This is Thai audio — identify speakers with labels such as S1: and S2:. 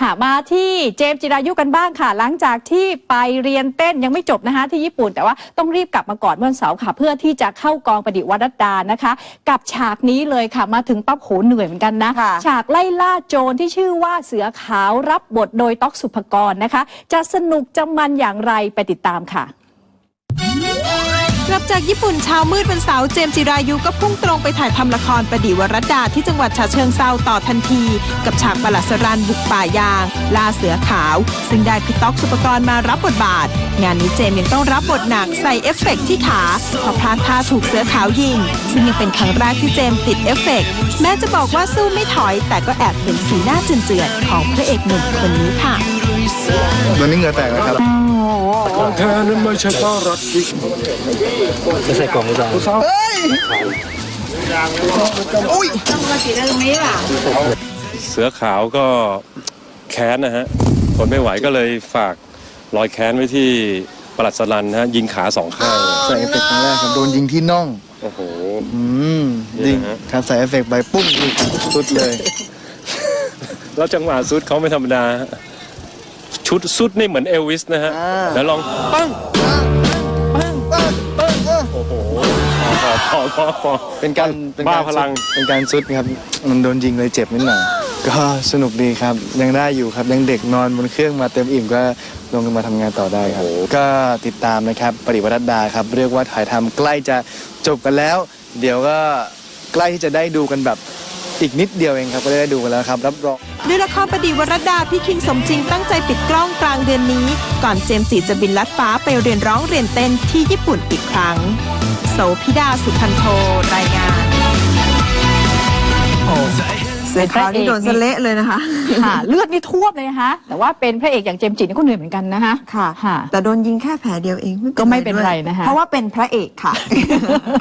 S1: มาที่เจมส์จิรายุกันบ้างค่ะหลังจากที่ไปเรียนเต้นยังไม่จบนะคะที่ญี่ปุ่นแต่ว่าต้องรีบกลับมาก่อนวันเสาร์ค่ะเพื่อที่จะเข้ากองประดิษฐ์วรัตดานะคะกับฉากนี้เลยค่ะมาถึงปั๊บโหเหนื่อยเหมือนกันนะฉากไล่ล่าโจรที่ชื่อว่าเสือขาวรับบทโดยต๊อกสุภกรนะคะจะสนุกจะมันอย่างไรไปติดตามค่ะ
S2: กลับจากญี่ปุ่นเช้ามืดวันเสาร์เจมส์จิรายุก็พุ่งตรงไปถ่ายทำละครประดิษฐ์วรัตดาที่จังหวัดฉะเชิงเทราต่อทันทีกับฉากปลัดสรันบุกป่ายางล่าเสือขาวซึ่งได้พี่ต๊อกสุภกรมารับบทบาทงานนี้เจมส์ยังต้องรับบทหนักใส่เอฟเฟกต์ที่ขาเพราะพลาดท่าถูกเสือขาวยิงซึ่งยังเป็นครั้งแรกที่เจมส์ติดเอฟเฟกต์แม้จะบอกว่าสู้ไม่ถอยแต่ก็แอบเห็นสีหน้าเจือนๆของพระเอกหนุ่มคนนี้ค่ะ
S3: วันนี้เหงื่อแตกนะครับ
S4: ของแท้นั้นไม่ใช่ป้ารัดดิจะใส่กล่องหรือเปล่าเฮ้ยอุ้ยต้องมาติดตรงนี้ล่ะเสือขาวก็แค้นนะฮะทนไม่ไหวก็เลยฝากรอยแค้นไว้ที่ปลัดสลันฮะยิงขา2 ข้าง
S3: ใส่เอฟเฟกต์ครั้งแรกครับโดนยิงที่น่อง
S4: โอ้โห
S3: ยิงครับใส่เอฟเฟกต์ไปปุ้งสุดเลย
S4: แล้วจังหวะสุดเขาไม่ธรรมดาชุดสุดนี่เหมือนเอลวิสนะฮะแล้วลองปั้งโอ้โหพอ
S3: เป็นการ
S4: บ้าพลัง
S3: เป็นการสุดครับมันโดนยิงเลยเจ็บนิดหน่อยก็สนุกดีครับยังได้อยู่ครับยังเด็กนอนบนเครื่องมาเต็มอิ่มก็ลงมาทำงานต่อได้ครับก็ติดตามนะครับประดิษฐ์วรัตดาครับเรียกว่าถ่ายทำใกล้จะจบกันแล้วเดี๋ยวก็ใกล้ที่จะได้ดูกันแบบอีกนิดเดียวเองครับก็ได้ดูกันแล้วครับรับรอง
S2: ด้วยละครประดิษฐ์วรัตดาพี่คิงสมจริงตั้งใจปิดกล้องกลางเดือนนี้ก่อนเจมส์จิจะบินลัดฟ้าไปเรียนร้องเรียนเต้นที่ญี่ปุ่นอีกครั้งโสภิดาสุพันโทรายงาน
S1: เสือขาวนี่โดนเละ
S2: เลยนะคะ
S1: ค่ะเลือดนี่ท่วมเลยนะคะแต่ว่าเป็นพระเอกอย่างเจมส์จินี่ก็เหนื่อยเหมือนกันนะคะ
S2: ค่ะแต่โดนยิงแค่แผลเดียวเอง
S1: ก็ไม่เป็นไรนะคะ
S2: เพราะว่าเป็นพระเอกค่ะ